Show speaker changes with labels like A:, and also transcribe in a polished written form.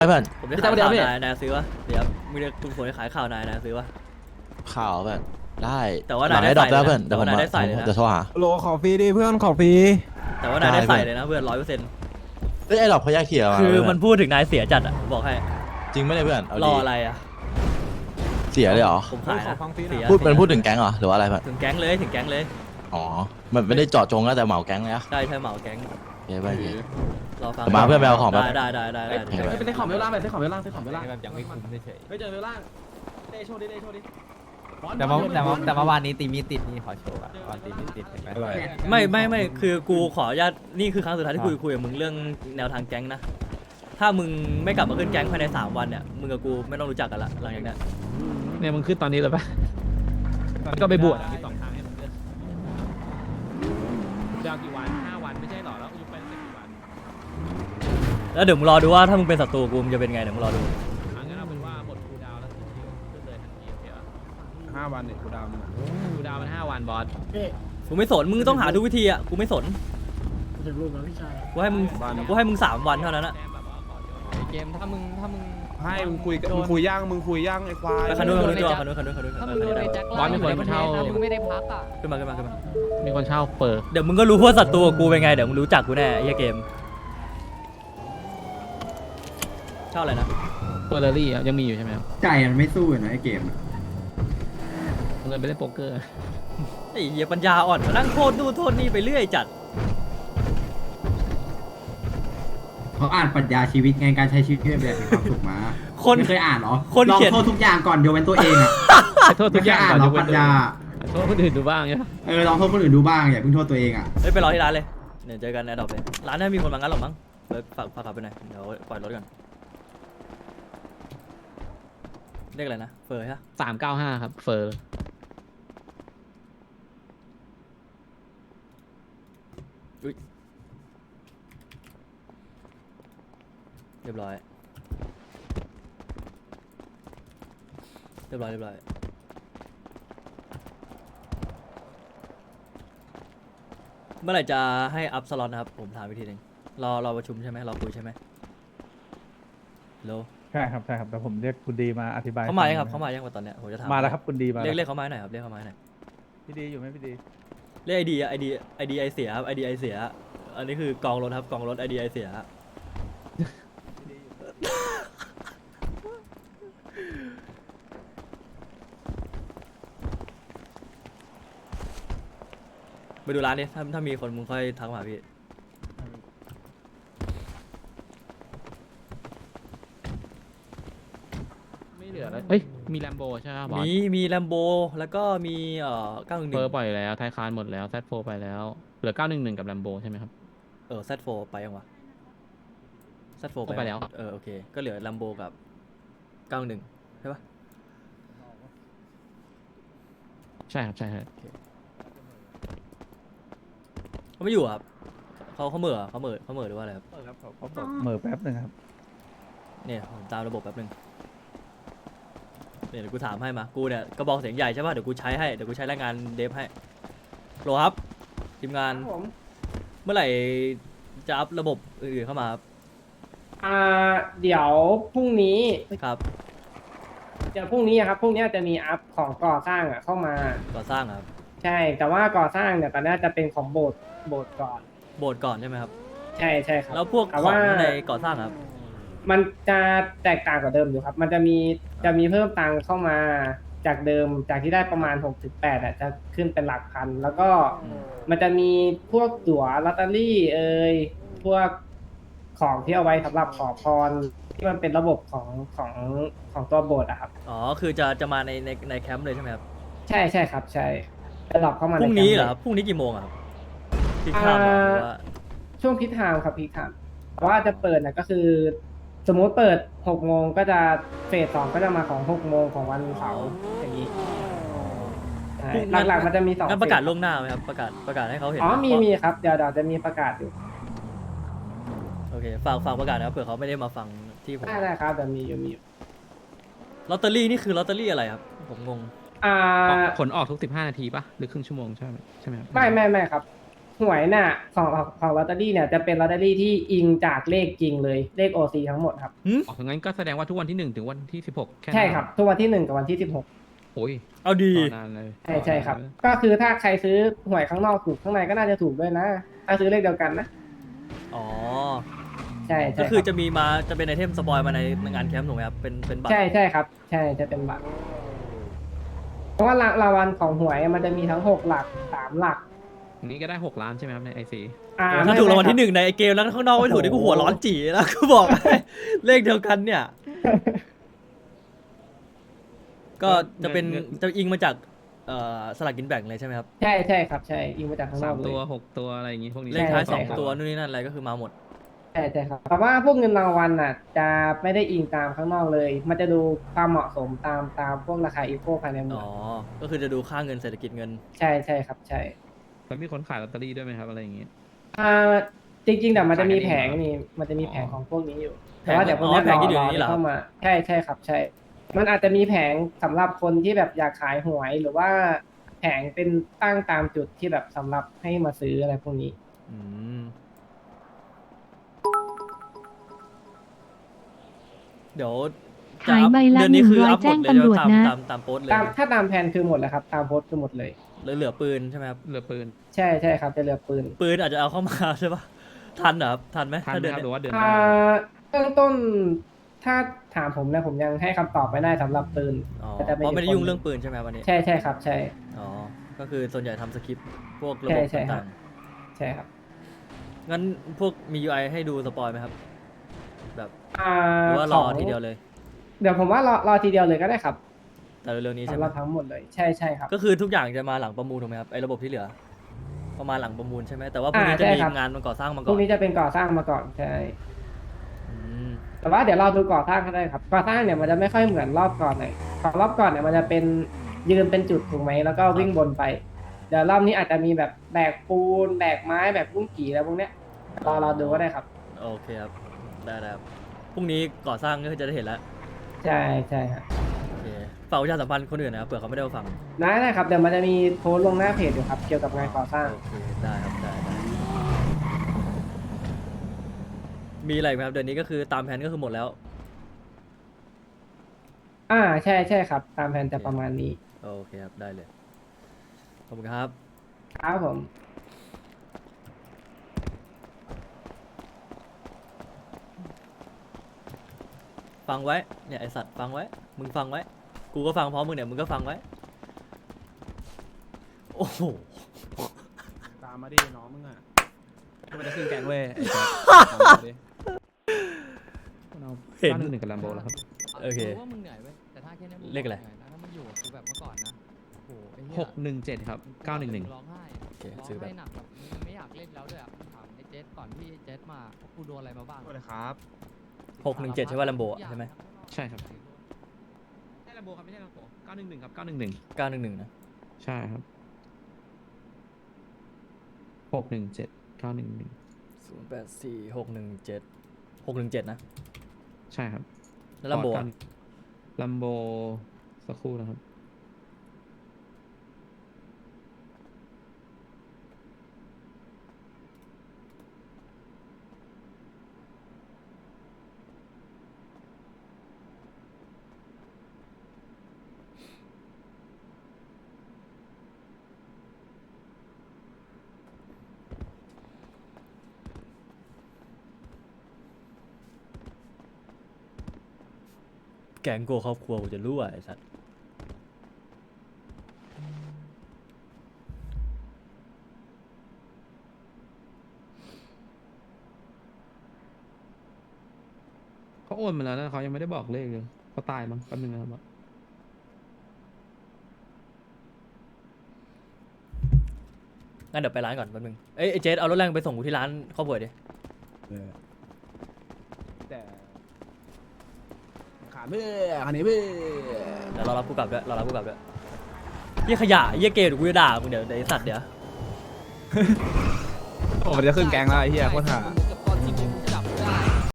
A: ไอ้เพื่อน
B: ผมได้ขายข่าวนายซื้อวะเดี๋ยวมึงจะคุณฝนได้ขายข่าวนายซื้อวะ
A: ข่าวเพื่อนได้
B: แต่ว่า
A: หลั
B: นาย
A: ง
B: ได้
A: ได้ดรอ
B: ใส่
A: ป
B: เลยนะ
A: แล้วเพื่อนเดี๋ยวผม
B: แต่ว่านายได้ใส่เลยนะ
A: จะโทรหา
C: โหลขอฟรีดิเพื่อนขอฟรี
B: แต่ว่านายได้
A: ได้
B: ใส่เลยนะเพื่อน100%
A: เอ้ยไอ้ดรอปเขาแยกเทียร์มา
B: คือ
A: เพื่
B: มันพูดถึงนายเสียจัดอ่ะบอกให้
A: จริงไม่ได้เพื่อนเอา
B: ร
A: ดี
B: ออะไรอ่ะ
A: เสียเลยเหรอ
B: ผมขาย
C: ขอ
B: นะ
C: ฟังฟรีหน่
B: เสี
C: อย
B: ย
A: พูดถึงแก๊งเหรอหรือว่าอะไรเพื่อน
B: ถึงแก๊งเลยถึงแก๊งเลย
A: อ๋อมันไม่ได้เจาะจงนะแต่เหมาแก๊งเลยอะ
B: ได้ใช่เหมาแก๊ง
A: โอเคเพื่อนโอเค
B: รอฟัง
A: เดี๋ยวมาเพื่อนไปเอาของแป๊บ
B: ได้
C: ไปซื้อของเวลล่างไปซื้อของเวลล่างซื้อของเวลล่าง
D: แบบยังไม่คุ้มเฉย
C: ไปเจอเวลล่างเดโชดิเดโชดิ
D: แต่เมื่อวานนี้ตีมีติดนี่ขอโชว์อะก่อนตีมีติดเห็นไหม
B: ไม่คือกูขออนุญาตนี่คือครั้งสุดท้ายที่คุยกับมึงเรื่องแนวทางแก๊งนะถ้ามึงไม่กลับมาขึ้นแก๊งภายใน3 วันเนี่ยมึงกับกูไม่ต้องรู้จักกันละหลังจากนี้
E: เนี่ยมึงขึ้นตอนนี้เลยปะก็ไปบวชมี2 ทางให้มึงเลือกดาวกี่วัน5 วันไม่ใช่หรอแล้วยุบไปตั้งแต่กี่วัน
B: แล้วเดี๋ยวมึงรอดูว่าถ้ามึงเป็นศัตรูกูมึงจะเป็นไงเดี๋ยวมึงรอดู
E: งั้นเอาเป็นว่าหมดคูลดาวน์แล้วขึ้นเลยทันทีโอเคปะ
C: 5 วันเนี่ยกูดาวน์
E: คูลดาวน์มัน5 วันบอส
B: กูไม่สนมึงต้องหาทุกวิธีอ่ะกูไม่สน
F: ถึงรูปแล้วพี่ชาย
B: กูให้มึง3 วันเท่านั้นอะ
D: เกมถ้ามึง
C: ให้มึงคุยย่างไอ้ควาย
B: ไปคันนู้นคันนู้น
D: ถ้ามึงโดนไอ้แจ็ค
E: บอสมีคนเช่า
D: มึงไม่ได้พักอ่ะ
B: ขึ้นมา
E: มีคนเช่าเปิด
B: เดี๋ยวมึงก็รู้ว่าศัตรูกับกูเป็นไงเดี๋ยวมึงรู้จักกูแน่ไอ้เหี้ยเกมเช่าอะไรนะ
E: เปิดเรลลี่อะยังมีอยู่ใช่ไหมครับ
G: ใจมันไม่สู้นะไอ้เกมอะ
E: เอาเงินไปเล่นโป๊กเกอร์
B: ไอ้เหี้ยปัญญาอ่อนมานั่งโทษนู่นโทษนี่ไปเรื่อยจัด
G: เขาอ่านปรัชญาชีวิตไงการใช้ชีวิตเพื่อแบบมีความสุขมา
B: คน
G: ไม่เคยอ่านเหรอ
B: คน
G: ลอง
B: เขียน
G: โทษทุกอย่างก่อนยกเว้นตัวเองอ่ะ
E: โทษทุกอย่าง
G: ไม่เคยอ่าน
E: ก่อน
G: เหร
E: ย
G: อก
E: เว้
G: ปรั
E: น
G: ชญา
E: โทษคนอื่นดูบ้างเนี่ย
G: ลองโทษคนอื่นดูบ้างอย่าเพิ่งโทษตัวเองอ่ะ
B: เฮ้ยไปรอที่ร้านเลยเดี๋ยวเจอกันแอร์ดรอปเลยร้านน่ามีคนมางั้นหรอกมั้งเลยฝากกลับไปหน่อยเดี๋ยวปล่อยรถกันเรียกอะไรนะเฟอร์ใช่ปะ
E: 395ครับเฟอร์
B: เรียบร้อยเมื่อไหร่จะให้อัพสล็อตนะครับผมถามวิธีหนึ่งรอประชุมใช่ไหมรอคุยใช่ไหมโล
H: ใช่ครับแต่ผมเรียกคุณดีมาอธิบาย
B: เขามายังครับ
H: ฟั
B: เขามายังวะตอนเนี้ยผมจะถาม
H: มาแล้วครับคุณดีมา
B: เรียกเขามาหน่อยครับเรียกเขามาหน่อย
H: พี่ดีอยู่ไหมพี่ดี
B: เรียกไอดีไอเสียครับไอเสียอันนี้คือกองรถครับกองรถไอเสียไปดูร้านดิถ้ามีคนมึงค่อยทักมาหาพี่
E: ไม่เหลือแล้วเอ้ยมีแลมโบใช่ไหมบอส
B: มีแลมโบแล้วก็มี911
E: เฟอร์ปล่อยแล้วไทยคานหมดแล้วแซดโฟไปแล้วเหลือ911กับแลมโบใช่ไหมครับ
B: Z4 ไปยังวะ Z4
E: ไปแล้ว
B: โอเคก็เหลือแลมโบกับ91ใช่ปะ
E: ใช่ครับใช่ครับ
B: เขาไม่อยู่อะครับเขาเหม่อหรือว่าอะไรครับ
H: ครับเขาบอกเหม่อแป๊บหนึ่งครับ
B: เนี่ยผมตามระบบแป๊บนึงเนี่ยเดี๋ยวกูถามให้มากูเนี่ยกระบอกเสียงใหญ่ใช่ป่ะเดี๋ยวกูใช้ให้เดี๋ยวกูใช้แรงงานเดฟให้โหลครับทีมงานเมื่อไหร่จะอัพระบบอื่นๆเข้ามาครับ
F: เดี๋ยวพรุ่งนี้
B: ครับ
F: เดี๋ยวพรุ่งนี้อะครับพรุ่งนี้จะมีอัพของก่อสร้างเข้ามา
B: ก่อสร้างอะครับ
F: ใช่ แต่ว่าก่อสร้างเนี่ยตอนนี้จะเป็นของโบสถ์ก่อน
B: โบสถ์ก่อนใช่ไหมครับ
F: ใช่ครับ
B: แล้วพวก
F: แต่
B: ของ
F: ว่า
B: ในก่อสร้างอะครับ
F: มันจะแตกต่างกว่าเดิมอยู่ครับ มันจะมีเพิ่มตังค์เข้ามาจากเดิมจากที่ได้ประมาณ6-8อ่ะจะขึ้นเป็นหลักพัน แล้วก็มันจะมีพวกตั๋วลอตเตอรี่พวกของที่เอาไว้สำหรับขอพรที่มันเป็นระบบของตัวโบสถ์อะครับ
B: อ๋อคือจะมาในแคมป์เลยใช่ไหมครับ
F: ใช่ครับใช่จะหลอกเข้ามา
B: พรุ่งนี้เหรอ
F: ใแค
B: ค
F: ม
B: รับพรุ่งนี้กี่โมงอะครับที่
F: ป์
B: ข้ามเหรอหรือว่า
F: ช่วงพีคไทม์ครับพีคไทม์แต่ว่าจะเปิดก็คือ สมมุติเปิด6 โมงก็จะเฟส 2ก็จะมาของ6 โมงของวันเสาร์อย่างนี้ใช่
B: พรุ่งนั้น
F: หลักๆมันจะมี2
B: งั้นประกาศ
F: เฟส
B: ล่วงหน้าไหมครับประกาศให้เขาเห็น
F: อ๋อ
B: ไห
F: มีครับเดี๋ยวจะมีประกาศอยู่
B: โอเคฝากประกาศนะครับเผื่อเขาไม่ได้มาฟังที่ผม
F: ได้ครับเดี๋ยวมีอยู่
B: ลอตเตอรี่นี่คือลอตเตอรี่อะไรครับผมงง
F: อ่า
E: ผลออกทุก15 นาทีปะหรือครึ่งชั่วโมงใช่ไหมครับ
F: ไม่ครับ ทหวยน่ะของลอตเตอรี่เนี่ยจะเป็นลอตเตอรี่ที่อิงจากเลขจริงเลยเลข OC ทั้งหมดครับ
E: อ๋องั้นก็แสดงว่าทุกวันที่ 1 ถึงวันที่ 16 แค่นั้น
F: ใช่ครับทุกวันที่ 1 กับวันที่ 16
E: โอ้ย
B: เอาดี
E: ต่อนานเลย
F: ใช่ครับ ก็คือถ้าใครซื้อหวยข้างนอกถูกข้างในก็น่าจะถูกด้วยนะ ถ้าซื้อเลขเดียวกันนะ
B: อ๋อ
F: ใช่
B: ก็คือ
F: รับ
B: จะมีมาจะเป็นไอเทมสปอยมาในงานแคมป์ถูกไหมครับเป็นบัตร
F: ใช่ครับ ใช่จะเป็นบัตรเพราะว่ารางวัลของหวยมันจะมีทั้ง6หลัก3หลัก
E: นี่ก็ได้ 6 ล้านใช่ไหมครับในไอซี
B: โอ้ถ้าถูกรางวัลที่ 1ในไอเกมแล้วข้างนอกไม่ถูกนี่กูหัวร้อนจี๋แล้วกูบอกให้ เลขเดียวกันเนี่ย ก็จะเป็นจะอิงมาจากสลากกินแบ่งเลยใช่ไหมครับ
F: ใช่ครับใช่อิงมาจากข้างนอก
E: 3
F: เล
E: ตัวย 6 ตัวอะไรอย่างงี้พวกนี้
B: เลขท้าย
F: ใช่ครับ
B: 2 ตัวนู่นนี่นั่นอะไรก็คือมาหมด
F: ใช่ครับแต่ว่าพวกเงินรางวัลน่ะ จะไม่ได้อิงตามข้างนอกเลย มันจะดูความเหมาะสมตามพวกราคาอีโคภายในเมื
B: อ๋
F: อ
B: อ ก็คือจะดูค่าเงินเศรษฐกิจเงิน
F: ใช่ครับใช่
E: แล้วมีคนขายลอตเตอรี่ด้วยไหมครับอะไรอย่างงี้
F: จริงๆแต่มันจะมีแผง
E: ขายกันเองเหรอ
F: นี่มันจะมีแผงของพวกนี้อยู่
B: แผง
F: แต่ว่าเดี๋ยวพวกนี้
B: อ๋อแผงที่อยู่ในนี้เหรอ
F: เข้ามาใช่ครับใช่ มันอาจจะมีแผงสำหรับคนที่แบบอยากขายหวยหรือว่าแผงเป็นตั้งตามจุดที่แบบสำหรับให้มาซื้ออะไรพวกนี้
B: อืมเดี๋ยวจะ
I: ขายใบละ
B: เดือนนี้คืออัพหมด
I: 100แจ้ง
B: เลย
I: ตำรวจนะ
B: ตามโพสต์เลย
F: ถ้าตามแผนคือหมดแล้วครับ ตามโพสต์คือหมดเลย
B: เหลือปืนใช่ไหมครับ
E: เหลือปืน
F: ใช่ครับจะเหลือปืน
B: ปืนอาจจะเอาเข้ามาใช่ปะทันเหรอครับทันไหม
E: ทัน
B: ถ้า
E: ไหม
B: เดือน
E: ครับห
B: เนี้
E: รื
B: ย
E: อว่าเดือนหน้า
F: เบื้องต้นถ้าถามผมนะผมยังให้คำตอบไม่ได้สำหรับปืน
B: อ๋อ
F: แต่จะเป็น
B: เพราะไม่ได้
F: อีกคน
B: ยุ่งเรื่องปืนใช่ไหมวันนี้
F: ใช่ครับใช่
B: อ๋อ ก็คือส่วนใหญ่ทำสคริปต์พวกระบบ
F: ใช่ครั
B: ต่า
F: บ
B: ง
F: ใช่ครับ
B: ๆงั้นพวกมี UI ให้ดูสปอยไหมครับ แบบหรือว่ารอทีเดียวเลย
F: เดี๋ยวผมว่ารอทีเดียวเลยก็ได้ครับ
B: แต่เร็วๆนี้ใช่
F: สำ
B: ไห
F: ห
B: ม
F: รับทั้งหมดเลยใช่ครับ
B: ก็คือทุกอย่างจะมาหลังประมูลถูกไหมครับไอ้ระบบที่เหลือประมาณหลังประมูลใช่ไหมแต่ว่าพวกนี้จะ
F: ใช่
B: มี
F: ครับ
B: งานมันก่อสร้างมา
F: พ
B: ก่
F: ว
B: อก น
F: นี้จะเป็นก่อสร้างมาก่อนใช่
B: อืม
F: แต่ว่าเดี๋ยวเราดูก่อสร้างก็ได้ครับก่อสร้างเนี่ยมันจะไม่ค่อยเหมือนรอบก่อนเลยของรอบก่อนเนี่ยมันจะเป็นยืนเป็นจุดถูกไหมแล้วก็วิ่งบนไป เดี๋ยวรอบนี้อาจจะมีแบบแบกปูนแบกไม้แบกกุ้งกี่แล้วพวกเนี้ยเราดูก็ได้ครับ
B: โอเคครับได้ครับพรุ่งนี้ก่อสร้างก็จะได้เห็นแล้ว
F: ใช่ครับ
B: โอเคฝากประชาสัมพันธ์คนอื่นนะครับเผื่อเขาไม่ได้มาฟัง
F: ได้ครับเดี๋ยวมันจะมีโพสต์ลงหน้าเพจอยู่ครับเกี่ยวกับงานก่อสร้าง
B: โอเคได้ครับได้มีอะไรไหมครับเดือนนี้ก็คือตามแผนก็คือหมดแล้ว
F: ใช่ครับ ตามแผนจะประมาณนี้
B: โอเคครับได้เลยขอบคุณครับ
F: ครับผม
B: ฟังไว้เนี่ยไอสัตว์ฟังไว้มึงฟังไว้กูก็ฟังพร้อมมึงเนี่ยมึงก็ฟังไว้โอ้โห
C: ตามมาดิน้องมึงอ่ะมันจะขึ้นแกงเว้ยไอ้แจ๊คตามมาดิ
B: เห็น
E: 911กับลัมโบแล้วครับ
B: โอเค
D: ว่ามึงเหนื่อยเว้ยแต่ถ้าแค่นี้มึง
B: เลขอะไร
D: หนื่ยนถ้ามึงอยู่กับกูแบบเมื่อก่อนนะโอ้โหไอ้เหี้ย
E: 617 ครับ 911
D: ร้องไห้
B: โอเค
D: ร้อง
B: ซื้อแบบ
D: ไห้หนักแบบมึงไม่อยากเล่นแล้วด้วยอ่ะถามไอ้เจสก่อนที่ไอ้เจสมากูโดนอะไรมาบ้าง
C: สวัสดีครับ
B: 617ใช่ว่าลัมโบใช่ไหม
E: ใช่ครับใช่ลัมโบครับไม่ใช่ลัมโบ911 ครับ911
B: 911นะ
E: ใช่ครับ 617 911
B: 084 617 617นะ
E: ใช่ครับ
B: แล้วลัมโบอะ
E: ลัมโบสักครู่นะครับ
B: แกงโกครอบครัวกูจะรู้อ่ะไอสัตว์
E: เขาโอนมาแล้วนะเขายังไม่ได้บอกเลขเลยเขาตายมั้งแป๊บนึงนะครับ
B: งั้นเดี๋ยวไปร้านก่อนแป๊บนึงเอ้ยไอเจสเอารถแรงไปส่งกูที่ร้านครอบครัวดิ
C: แต่ขาเบื่อคันนี้เบื่อ
B: เดี๋ยวรอรับกูกลับด้วยรอรับกูกลับด้วยเหี้ยขยะเหี้ยเกย์เดี๋ยวกูจะด่ามึงเดี๋ยวไอสัตว์เดี๋ยว
C: โอ้มันจะขึ้นแกงแล้วไอ้เหี้ยโคตรห่า
D: กับตอนที่มึง